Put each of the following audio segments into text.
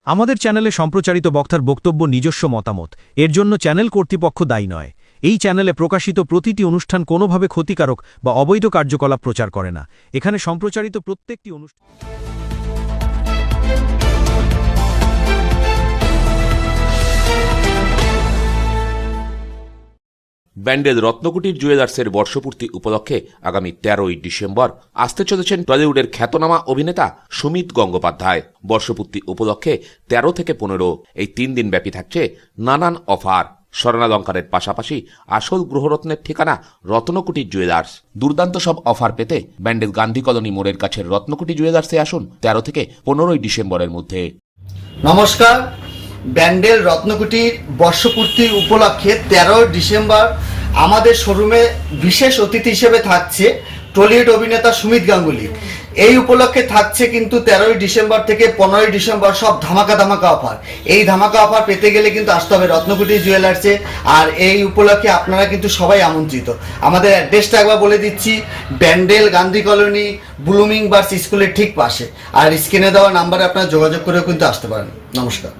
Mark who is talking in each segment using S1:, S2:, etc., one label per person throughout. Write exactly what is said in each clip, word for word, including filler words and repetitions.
S1: আমাদের চ্যানেলে সম্প্রচারিত বক্তার বক্তব্য নিজস্ব মতামত, এর জন্য চ্যানেল কর্তৃপক্ষ দায়ী নয়। এই চ্যানেলে প্রকাশিত প্রতিটি অনুষ্ঠান কোনোভাবে ক্ষতিকারক বা অবৈধ কার্যকলাপ প্রচার করে না। এখানে সম্প্রচারিত প্রত্যেকটি অনুষ্ঠান
S2: ব্যান্ডেল রত্নকুটির জুয়েলার্সের বর্ষপূর্তি উপলক্ষে আগামী তেরোই ডিসেম্বর আসতে চলেছেন টলিউডের খ্যাতনামা অভিনেতা সুমিত গঙ্গোপাধ্যায়। বর্ষপূর্তি উপলক্ষে তেরো থেকে পনেরো এই তিন দিন ব্যাপী থাকছে নানান অফার। স্বর্ণালঙ্কারের পাশাপাশি আসল গ্রহরত্নের ঠিকানা রত্নকুটির জুয়েলার্স। দুর্দান্ত সব অফার পেতে ব্যান্ডেল গান্ধী কলোনি মোড়ের কাছের রত্নকুটি জুয়েলার্সে আসুন তেরো থেকে পনেরোই ডিসেম্বরের মধ্যে।
S3: নমস্কার, ব্যান্ডেল রত্নকুটির বর্ষপূর্তি উপলক্ষে তেরোই ডিসেম্বর আমাদের শোরুমে বিশেষ অতিথি হিসেবে থাকছে টলিউড অভিনেতা সুমিত গাঙ্গুলি। এই উপলক্ষে থাকছে কিন্তু তেরোই ডিসেম্বর থেকে পনেরোই ডিসেম্বর সব ধামাকা ধামাকা অফার। এই ধামাকা অফার পেতে গেলে কিন্তু আসতে হবে রত্নকুটি জুয়েলার্সে। আর এই উপলক্ষে আপনারা কিন্তু সবাই আমন্ত্রিত। আমাদের অ্যাড্রেসটা একবার বলে দিচ্ছি, Bandel Gandhi colony Blooming Buds স্কুলের ঠিক পাশে। আর স্ক্রিনে দেওয়া নাম্বারে আপনারা যোগাযোগ করেও কিন্তু আসতে পারেন। নমস্কার।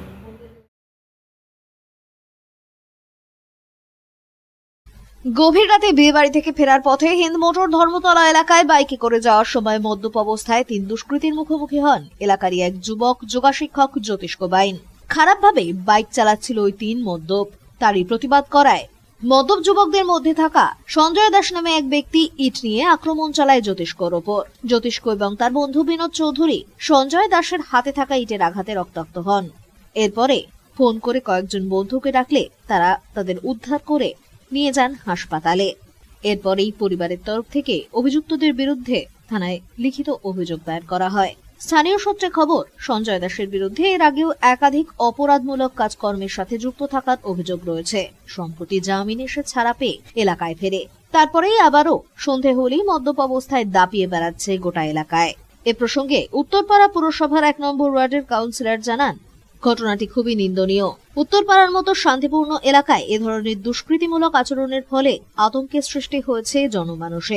S4: গভীর রাতে বিয়ে বাড়ি থেকে ফেরার পথে হিন্দ মোটর ধর্মতলা এলাকায় বাইকে করে যাওয়ার সময় মদ্যপ অবস্থায় তিন দুষ্কৃতীর মুখোমুখি হন এলাকারই এক যুবক যোগাশিক্ষক জ্যোতিষ্ক বাইন। খারাপভাবে বাইক চালাচ্ছিল ওই তিন মদ্যপ। তারই প্রতিবাদ করায় মদ্যপ যুবকদের মধ্যে থাকা সঞ্জয় দাস নামে এক ব্যক্তি ইট নিয়ে আক্রমণ চালায় জ্যোতিষ্কর ওপর। জ্যোতিষ্ক এবং তার বন্ধু বিনোদ চৌধুরী সঞ্জয় দাসের হাতে থাকা ইটের আঘাতে রক্তাক্ত হন। এরপরে ফোন করে কয়েকজন বন্ধুকে ডাকলে তারা তাদের উদ্ধার করে নিয়ে যান হাসপাতালে। এরপরেই পরিবারের তরফ থেকে অভিযুক্তদের বিরুদ্ধে থানায় লিখিত অভিযোগ দায়ের করা হয়। স্থানীয় সূত্রে খবর, সঞ্জয় দাসের বিরুদ্ধে এর আগেও একাধিক অপরাধমূলক কাজকর্মের সাথে যুক্ত থাকার অভিযোগ রয়েছে। সম্প্রতি জামিন এসে ছাড়া পেয়ে এলাকায় ফেরে। তারপরেই আবারও সন্ধে হলেই মদ্যপ অবস্থায় দাপিয়ে বেড়াচ্ছে গোটা এলাকায়। এ প্রসঙ্গে উত্তরপাড়া পুরসভার এক নম্বর ওয়ার্ডের কাউন্সিলর জানান, ঘটনাটি খুবই নিন্দনীয়। উত্তরপাড়ার মতো শান্তিপূর্ণ এলাকায় এ ধরনের দুষ্কৃতিমূলক আচরণের ফলে আতঙ্কের সৃষ্টি হয়েছে জনমানসে।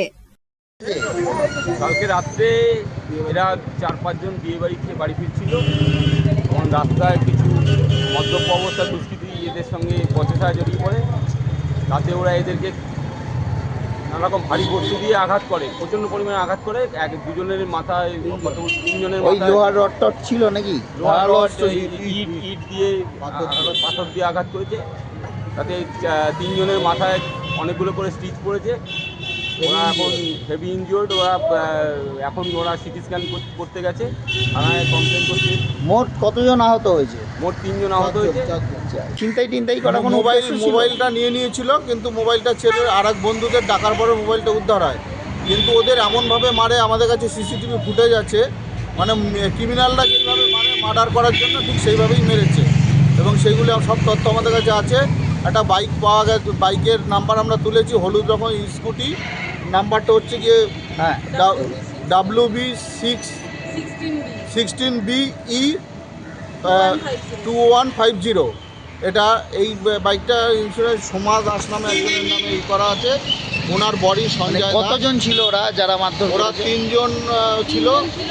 S5: কালকে রাত্রে এরা চার পাঁচজন বিয়ে বাড়ি থেকে বাড়ি ফিরছিল, তখন রাস্তায় কিছু মদ্যপ অবস্থা দুষ্কৃতী এদের সঙ্গে বচসা জড়িয়ে পড়ে। তাতে ওরা এদেরকে নানারকম ভারী বস্তু দিয়ে আঘাত করে, প্রচণ্ড পরিমাণে আঘাত করে। এক দুজনের মাথায়, তিনজনের মাথায়
S6: লোহার রড টড ছিল নাকি?
S5: লোহার রড, ইট ইট দিয়ে পাথর দিয়ে আঘাত করেছে। তাতে তিনজনের মাথায় অনেকগুলো করে স্টিচ পড়েছে। ওরা এখন হেভি ইনজিওর্ড। ওরা এখন ওরা সিটি স্ক্যান করতে গেছে, থানায় কমপ্লেন করছে।
S6: মোট কতজন আহত হয়েছে?
S5: মোট তিনজন আহত হয়েছে।
S6: চিন্তাই টিন্তাই করা কোনো
S7: মোবাইল মোবাইলটা নিয়ে নিয়েছিল, কিন্তু মোবাইলটা ছেড়ে আর এক বন্ধুদের ডাকার পরে মোবাইলটা উদ্ধার হয়। কিন্তু ওদের এমনভাবে মারে, আমাদের কাছে সিসিটিভি ফুটেজ আছে, মানে ক্রিমিনালরা যেইভাবে মারে মার্ডার করার জন্য ঠিক সেইভাবেই মেরেছে। এবং সেইগুলো সব তথ্য আমাদের কাছে আছে। একটা বাইক পাওয়া গেছে, বাইকের নাম্বার আমরা তুলেছি, হলুদ রকম স্কুটি। নাম্বারটা হচ্ছে গিয়ে হ্যাঁ W B six sixteen B E two one five zero. এটা এই বাইকটা ইন্স্যুরেন্স সোমা দাস নামে একজনের নামে ই করা আছে। ওনার বডি সঞ্জয়।
S6: কতজন ছিল ওরা যারা মারধর?
S7: ওরা তিনজন ছিল।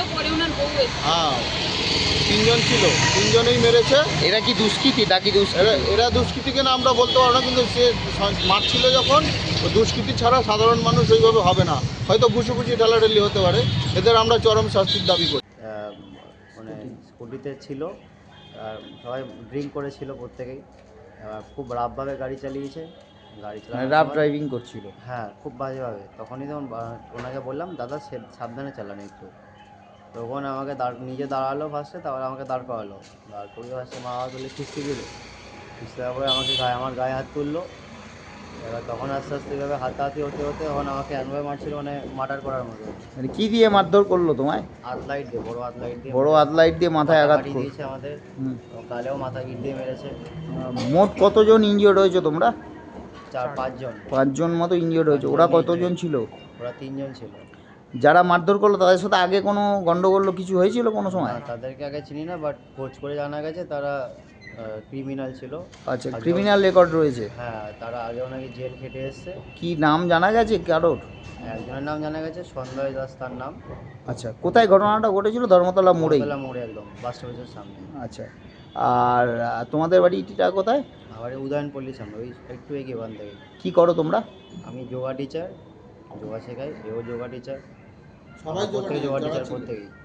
S7: হ্যাঁ, তিনজন ছিল, তিনজনেই মেরেছে।
S6: এরা কি দুষ্কৃতী? ডাকি দুষ্কৃতী?
S7: এরা দুষ্কৃতী কেন আমরা বলতে পারবো না, কিন্তু সে মারছিল যখন, দুষ্কৃতী ছাড়া সাধারণ মানুষ ওইভাবে হবে না। হয়তো ঘুষুঘুষি ঢালাঢালি হতে পারে। এদের আমরা চরম শাস্তির দাবি করি।
S8: মানে স্কুটিতে ছিল, সবাই ড্রিঙ্ক করেছিল প্রত্যেকেই। খুব রাফভাবে গাড়ি চালিয়েছে। গাড়ি চালানো
S6: রাফ ড্রাইভিং করছিল?
S8: হ্যাঁ, খুব বাজেভাবে। তখনই তখন ওনাকে বললাম, দাদা সাবধানে চালান একটু। তখন আমাকে দাঁড় নিজে দাঁড়ালো ফার্স্টে, তারপরে আমাকে দাঁড় করালো। দাঁড় করিয়ে ফার্স্টে মা বাবা তুলে খিস্তি দিল। খিস্তি দেওয়ার পরে আমাকে গায়ে আমার গায়ে হাত তুললো। এবার তখন আস্তে আস্তে এভাবে হাতাহাতি হতে হতে তখন আমাকে এমনভাবে মারছিল, মানে মার্ডার করার মতো।
S6: মানে কি দিয়ে মারধর করলো তোমায়?
S8: হাত লাইট দিয়ে, বড় হাত লাইট দিয়ে।
S6: বড় হাত লাইট দিয়ে মাথায় আঘাত
S8: দিয়েছে আমাদের। কালেও মাথায় ইট দিয়ে মেরেছে।
S6: মোট কতজন ইনজিওর্ড হয়েছে তোমরা?
S8: চার পাঁচজন
S6: পাঁচজন মতো ইনজিওর্ড হয়েছে। ওরা কতজন ছিল?
S8: ওরা তিনজন ছিল।
S6: যারা মারধর করলো তাদের সাথে আগে কোনো গন্ডগোল কিছু হয়েছিল কোনো সময়?
S8: তাদেরকে আগে চিনি না, বাট খোঁজ করে জানা গেছে তারা ক্রিমিনাল ছিল।
S6: আচ্ছা, ক্রিমিনাল রেকর্ড রয়েছে?
S8: হ্যাঁ, তারা আগেও নাকি জেল খেটে এসছে।
S6: কি নাম জানা গেছে কারোর?
S8: একজনের নাম জানা গেছে, সঞ্জয় দাস তার নাম।
S6: আচ্ছা, কোথায় ঘটনাটা ঘটেছিল? ধর্মতলা মোড়ে?
S8: ধর্মতলা মোড়ে, একদম বাস স্টপেজের সামনে।
S6: আচ্ছা, আর আহ, তোমাদের বাড়িটা কোথায়?
S8: আবার উদয়নপল্লীর সামনে ওই একটু এগিয়ে ওখান থেকে।
S6: কি করো তোমরা?
S8: আমি যোগা টিচার, যোগা শেখাই, এও যোগা টিচার,
S7: সবাই
S8: প্রত্যেকে যোগা টিচার
S7: ছিল।
S8: প্রত্যেকেই।